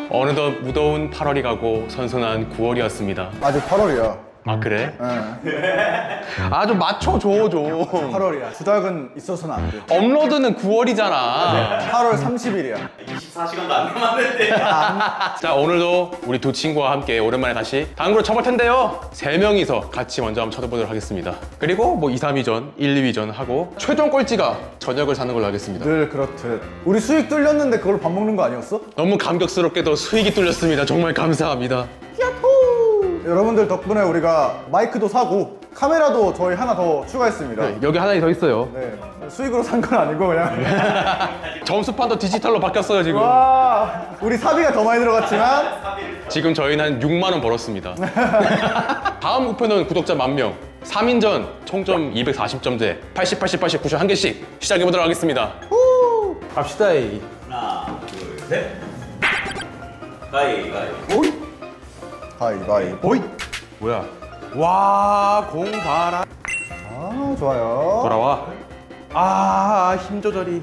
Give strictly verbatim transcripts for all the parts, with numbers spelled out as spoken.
어느덧 무더운 팔월이 가고 선선한 구월이었습니다. 아직 팔월이야. 아 그래? 네. 아 좀 맞춰줘 좀. 팔월이야. 두 달은 있어서는 안 돼. 업로드는 구월이잖아. 팔월 삼십일이야. 이십사 시간도 안 남았는데. 자 오늘도 우리 두 친구와 함께 오랜만에 다시 당구를 쳐볼 텐데요. 세 명이서 같이 먼저 한번 쳐보도록 하겠습니다. 그리고 뭐 이, 삼 위전, 일, 이 위전 하고 최종 꼴찌가 저녁을 사는 걸로 하겠습니다. 늘 그렇듯. 우리 수익 뚫렸는데 그걸 밥 먹는 거 아니었어? 너무 감격스럽게도 수익이 뚫렸습니다. 정말 감사합니다. 여러분들 덕분에 우리가 마이크도 사고 카메라도 저희 하나 더 추가했습니다. 네, 여기 하나 더 있어요. 네. 수익으로 산 건 아니고 그냥. 점수판도 디지털로 바뀌었어요 지금. 와, 우리 사비가 더 많이 들어갔지만 지금 저희는 한 육만 원 벌었습니다. 다음 목표는 구독자 만 명. 삼 인전 총점 이백사십 점제 팔십, 팔십, 팔십, 구십 한 개씩 시작해보도록 하겠습니다. 후! 갑시다. 이. 하나, 둘, 셋. 가위, 가위. 오이! 가위바위보. 오이! 뭐야? 와, 공 봐라. 아, 좋아요. 돌아와. 아, 힘 조절이.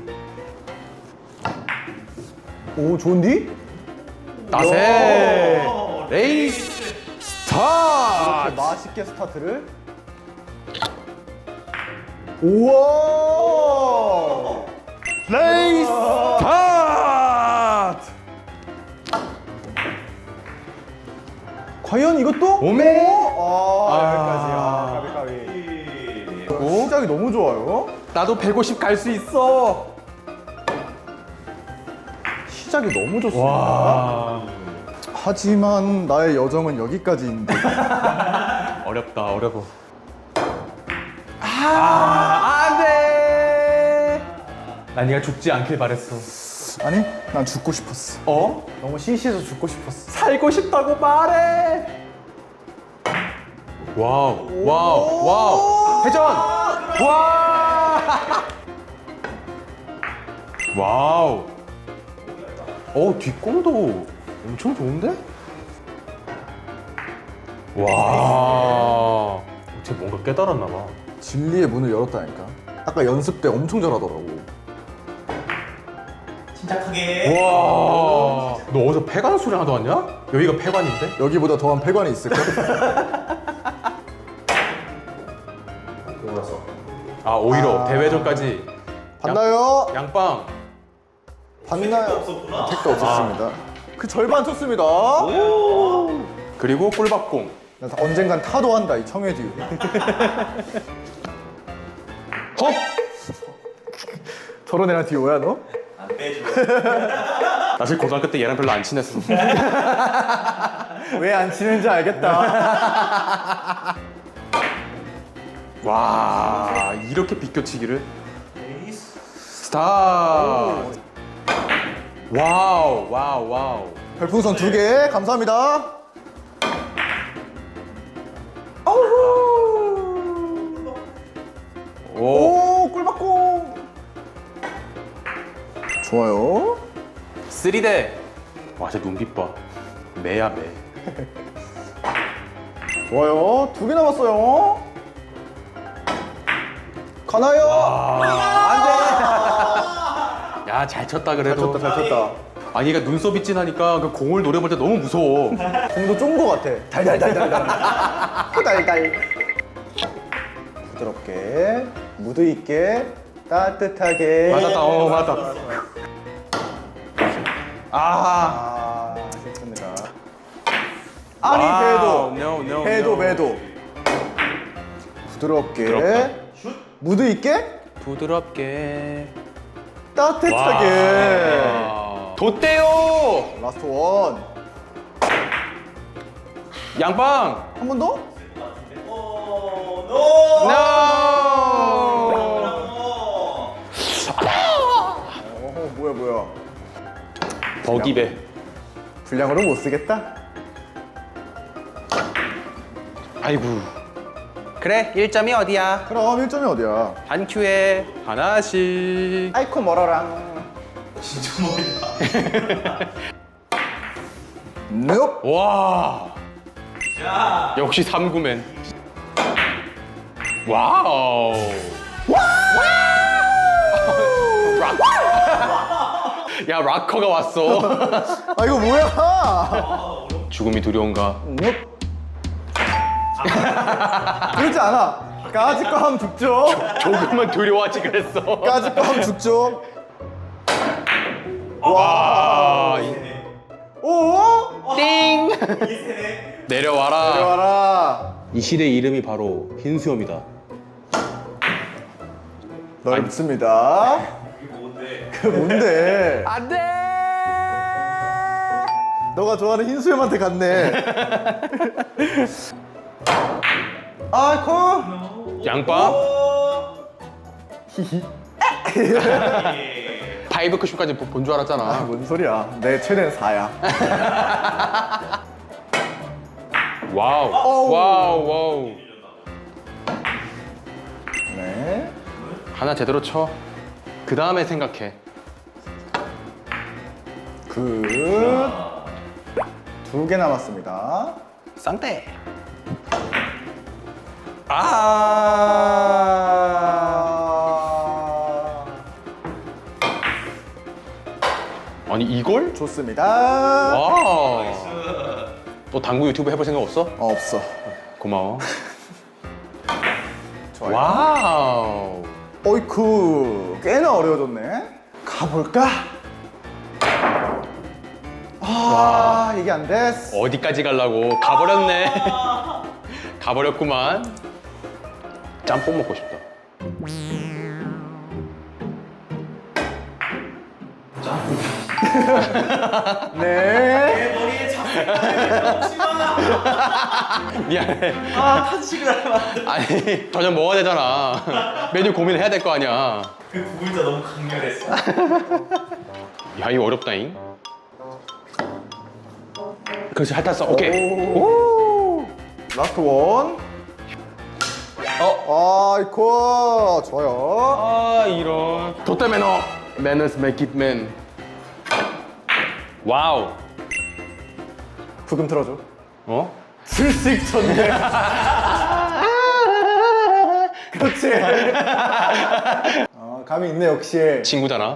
오, 좋은디? 따세! 레이스 스타트! 이렇게 맛있게 스타트를. 우와! 레이스 스타트! 과연 이것도? 오메! 아, 아. 여기까지야. 가비, 가비. 시작이 너무 좋아요. 나도 백오십 갈 수 있어. 시작이 너무 좋습니다. 와. 하지만 나의 여정은 여기까지인데. 어렵다, 어려워. 아, 안 돼! 난 네가 죽지 않길 바랬어. 아니, 난 죽고 싶었어. 어? 너무 시시해서 죽고 싶었어. 살고 싶다고 말해! 와우, 와우, 와우! 회전! 와! 와우! 어, 뒷공도 엄청 좋은데? 와! 쟤 뭔가 깨달았나 봐. 진리의 문을 열었다니까. 아까 연습 때 엄청 잘하더라고. 침착하게. 와! 너 어디서 폐관 소리 하나도 왔냐? 여기가 폐관인데? 여기보다 더한 폐관이 있을까? 돌아서. 아, 오히려 아. 대회전까지 봤나요? 양빵. 봤나요? 없었구나. 택도 없었습니다. 그 절반 쳤습니다. 그리고 꿀밥공. 나 언젠간 타도한다 이 청해듀. 헉! 저런 애랑 듀오야 너? 안 빼줘. 사실 고등학교 때 얘랑 별로 안 친했어. 왜 안 치는지 알겠다. 와, 이렇게 비껴치기를? 레이스. 스타트! 와우, 와우, 와우. 별풍선 두 개 감사합니다. 오, 오 꿀받고. 좋아요. 쓰리 대. 와, 저 눈빛 봐. 매야, 매. 좋아요. 두 개 남았어요. 가나요? 아, 야, 잘 쳤다, 잘 그래도. 쳤다 잘 쳤다. 아, 얘가 눈썹이 진하니까 그 공을 노려볼 때 너무 무서워. 공도 쫀 거 같아. 달달달달달. 달달. 부드럽게 무드 있게 따뜻하게. 맞았다, 어, 맞았다. 아, 아, 좋습니다. 아니 와우, 배도 no, no, 배도 no. 배도 부드럽게 부드럽다. 무드 있게 부드럽게. 따뜻하게. 와. 돛대요! 라스트 원. 양빵! 한 번 더? 오, 노. No! 어, 뭐야 뭐야. 버기배. 분량으로 못 쓰겠다. 아이고. 그래, 일 점이 어디야? 그럼 일 점이 어디야? 한 큐에 하나씩. 아이코 멀어랑. 진짜 멀다. 넵. 와. 자. 역시 삼구맨. 와우. 와우. 야, 락커가 왔어. 아 이거 뭐야? 아, 어렵. 죽음이 두려운가? 넵. 그렇지 않아. 까짓 거 하면 죽죠. 조금은 두려워하지 그랬어. 까짓 거 하면 죽죠. 와, 이- 세네. 오! 띵! 이게 세네. 내려와라. 내려와라. 이 실의 이름이 바로 흰수염이다. 널 아니. 믿습니다. 이게 뭔데? 그 뭔데? 안 돼! 너가 좋아하는 흰수염한테 갔네. 아, 코. 양파? 오. 히히. 예. 파이브 크쇼까지 본 줄 아, 알았잖아. 뭔 소리야. 내 최대는 사야. 와우. 어우. 와우, 와우. 네. 하나 제대로 쳐. 그 다음에 생각해. 굿. 두 개 남았습니다. 쌍대. 아. 아니 이걸? 좋습니다. 와. 또 당구 유튜브 해볼 생각 없어? 어, 없어. 고마워. 좋아요. 와우. 어이쿠. 꽤나 어려워졌네. 가볼까? 아, 이게 안 됐어. 어디까지 가려고 가버렸네. 가버렸구만. 짬뽕 먹고 싶다. 네. 내 머리에 잡히지 마. 미안해. 아, 탄식을 하면 안 돼. 아니 저녁 먹어야 되잖아. 메뉴 고민해야 될 거 아니야. 그 구글자 너무 강렬했어. 야 이거 어렵다잉. 그렇지 핥았어. 오케이. 오. 라스트 원. 어. 아이쿠. 좋아요. 아 이런. 돛대 매너. Manners make it man. 와우. 부금 틀어줘. 어? 슬씩 쳤네. 그렇지. 어, 감이 있네 역시. 친구잖아.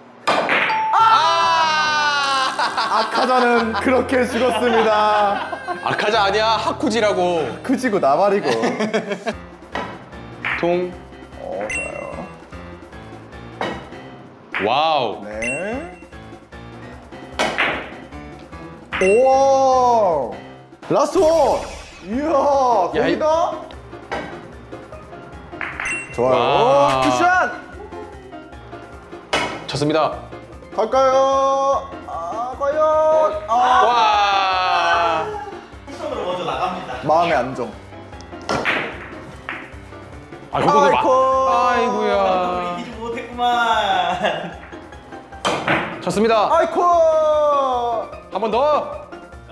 아카자는 그렇게 죽었습니다. 아카자 아니야 하쿠지라고. 크지고 나발이고. 통. 어, 좋아요. 와우. 네. 오. 라스트 원. 이야, 야, 이- 거기다. 좋아요. 와. 쿠션. 쳤습니다. 갈까요? 아, 과연. 아. 와. 쿠션으로 먼저 나갑니다. 마음의 안정. 아 이거 봐. 아이고. 아이고야. 우리 이기지 못했구만. 쳤습니다. 아이쿠. 한 번 더.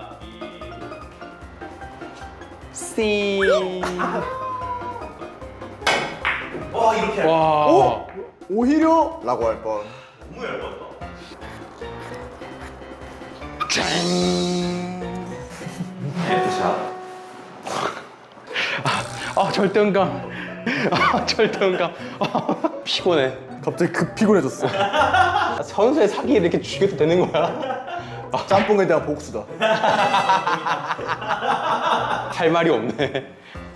씨. 와, 이렇게 할 와. 오! 오히려? 라고 할 뻔. 너무 얇았다. 헤드샷. 아 절대음감. 아 절대음감. 아, 피곤해. 갑자기 급 피곤해졌어. 선수의 사기 이렇게 죽여도 되는 거야? 짬뽕에 대한 복수다. 할 말이 없네.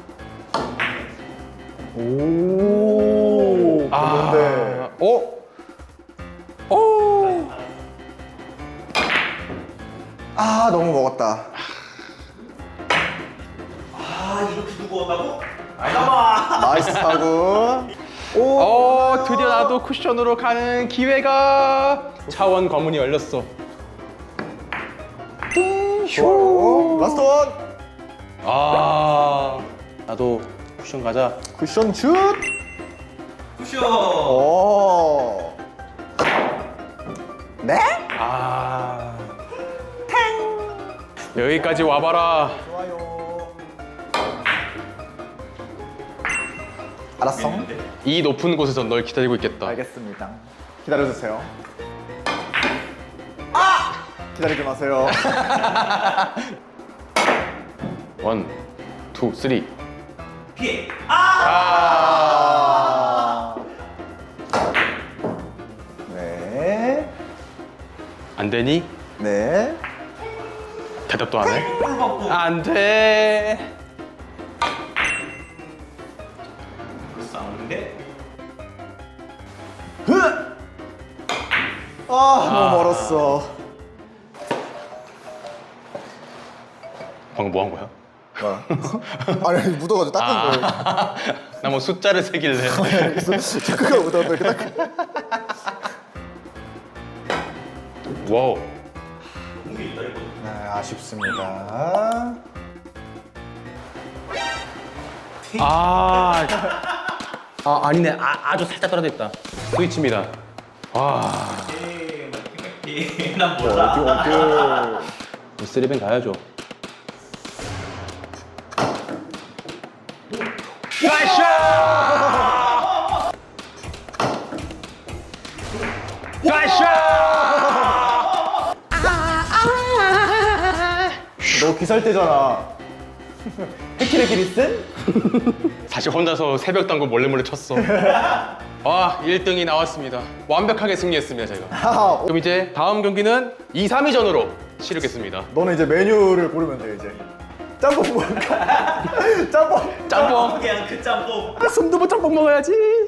오. 그런데. 어? 오. 아, 너무 먹었다. 아, 이렇게 두고 온다고? 아이가마. 나이스 타구. 오. 어 드디어 나도 쿠션으로 가는 기회가. 차원 관문이 열렸어. 오. 라스트 원. 아 나도 쿠션 가자. 쿠션 슛. 쿠션. 오. 네? 아 여기까지 와봐라. 좋아요. 알았어. 이 높은 곳에서 널 기다리고 있겠다. 알겠습니다. 기다려주세요. 아! 기다리지 마세요. 원, 투, 쓰리. 피해. 아! 아. 네. 안 되니? 네. 대답도 안 해? 꿀 받고. 안 돼. 싸우는데. 아, 너무 멀었어. 방금 뭐 한 거야? 뭐야? 아니, 아니, 묻어가지고 닦은 거예요. 나 뭐 숫자를 세길래. 그래서 체크가 묻어서 이렇게 닦. 와우. 공기 있다 이거. 네, 아쉽습니다. 아, 아 아니네. 아, 아주 살짝 떨어졌다. 스위치입니다. 와, 에이, 난 몰라. 어디 어디. 쓰리뱅 가야죠. 가샤! 가샤! 너 귀살 때잖아. 헤키레키리슨? 사실 혼자서 새벽 당구 몰래 몰래 쳤어. 아, 일 등이 나왔습니다. 완벽하게 승리했습니다, 제가. 하하. 그럼 이제 다음 경기는 이, 삼 위전으로 치르겠습니다. 너는 이제 메뉴를 고르면 돼 이제. 짬뽕 먹을까? 짬뽕. 짬뽕. 그냥 그 짬뽕. 아, 순두부 짬뽕 먹어야지.